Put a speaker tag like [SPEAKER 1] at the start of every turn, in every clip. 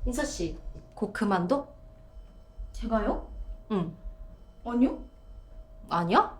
[SPEAKER 1] 인서 씨, 곧 그만둬?
[SPEAKER 2] 제가요?
[SPEAKER 1] 응.
[SPEAKER 2] 아니요?
[SPEAKER 1] 아니야?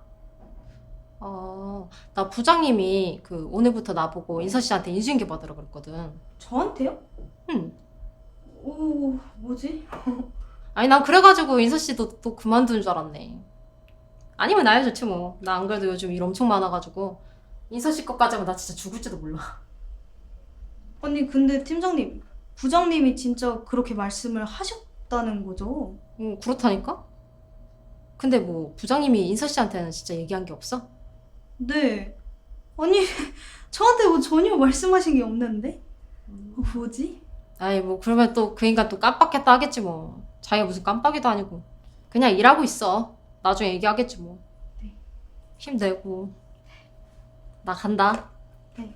[SPEAKER 1] 나 부장님이 오늘부터 나보고 인서 씨한테 인수인계 받으라 그랬거든.
[SPEAKER 2] 저한테요?
[SPEAKER 1] 응.
[SPEAKER 2] 오, 뭐지?
[SPEAKER 1] 아니, 난 그래가지고 인서 씨도 또 그만두는 줄 알았네. 아니면 나야 좋지 뭐. 나 안 그래도 요즘 일 엄청 많아가지고 인서 씨 것까지 하면 나 진짜 죽을지도 몰라.
[SPEAKER 2] 아니, 근데 팀장님, 부장님이 진짜 그렇게 말씀을 하셨다는 거죠?
[SPEAKER 1] 응, 그렇다니까? 근데 뭐 부장님이 인서 씨한테는 진짜 얘기한 게 없어?
[SPEAKER 2] 네. 아니, 저한테 뭐 전혀 말씀하신 게 없는데? 뭐지?
[SPEAKER 1] 아이, 뭐 그러면 또 그 인간 또 깜빡했다 하겠지 뭐. 자기가 무슨 깜빡이도 아니고. 그냥 일하고 있어. 나중에 얘기하겠지 뭐.
[SPEAKER 2] 네.
[SPEAKER 1] 힘내고. 나 간다.
[SPEAKER 2] 네.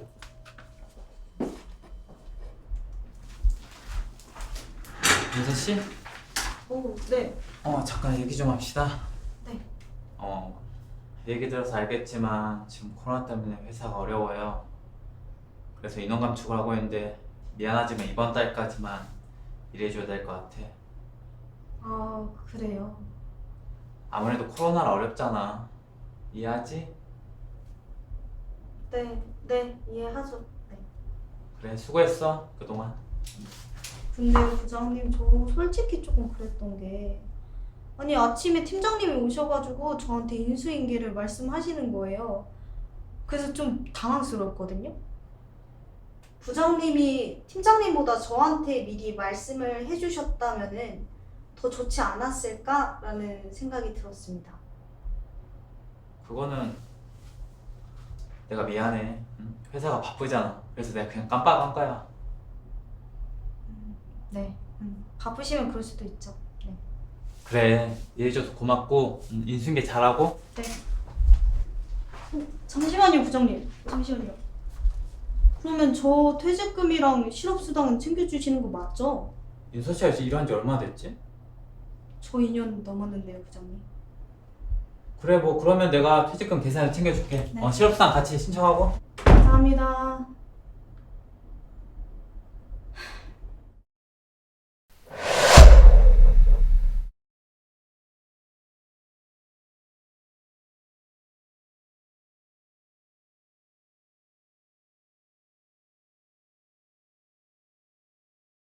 [SPEAKER 3] 민서 씨?
[SPEAKER 2] 오, 네.
[SPEAKER 3] 잠깐 얘기 좀 합시다.
[SPEAKER 2] 네.
[SPEAKER 3] 얘기 들어서 알겠지만 지금 코로나 때문에 회사가 어려워요. 그래서 인원 감축을 하고 있는데 미안하지만 이번 달까지만 일해줘야 될 것 같아.
[SPEAKER 2] 아, 그래요.
[SPEAKER 3] 아무래도 코로나라 어렵잖아. 이해하지?
[SPEAKER 2] 네, 이해하죠. 네.
[SPEAKER 3] 그래, 수고했어 그동안.
[SPEAKER 2] 근데 부장님, 저 솔직히 조금 그랬던 게 아니 아침에 팀장님이 오셔가지고 저한테 인수인계를 말씀하시는 거예요. 그래서 좀 당황스러웠거든요. 부장님이 팀장님보다 저한테 미리 말씀을 해주셨다면은 더 좋지 않았을까라는 생각이 들었습니다.
[SPEAKER 3] 그거는 내가 미안해. 응? 회사가 바쁘잖아. 그래서 내가 그냥 깜빡한 거야.
[SPEAKER 2] 네. 바쁘시면 그럴 수도 있죠. 네.
[SPEAKER 3] 그래, 이해해줘서 고맙고 인수인계 잘하고.
[SPEAKER 2] 네. 잠시만요, 부장님. 잠시만요. 그러면 저 퇴직금이랑 실업수당은 챙겨주시는 거 맞죠?
[SPEAKER 3] 인서 씨가 이제 일한 지 얼마나 됐지?
[SPEAKER 2] 저 2년 넘었는데요, 부장님.
[SPEAKER 3] 그래, 뭐 그러면 내가 퇴직금 계산해 챙겨줄게.
[SPEAKER 2] 네.
[SPEAKER 3] 실업수당 같이 신청하고.
[SPEAKER 2] 감사합니다.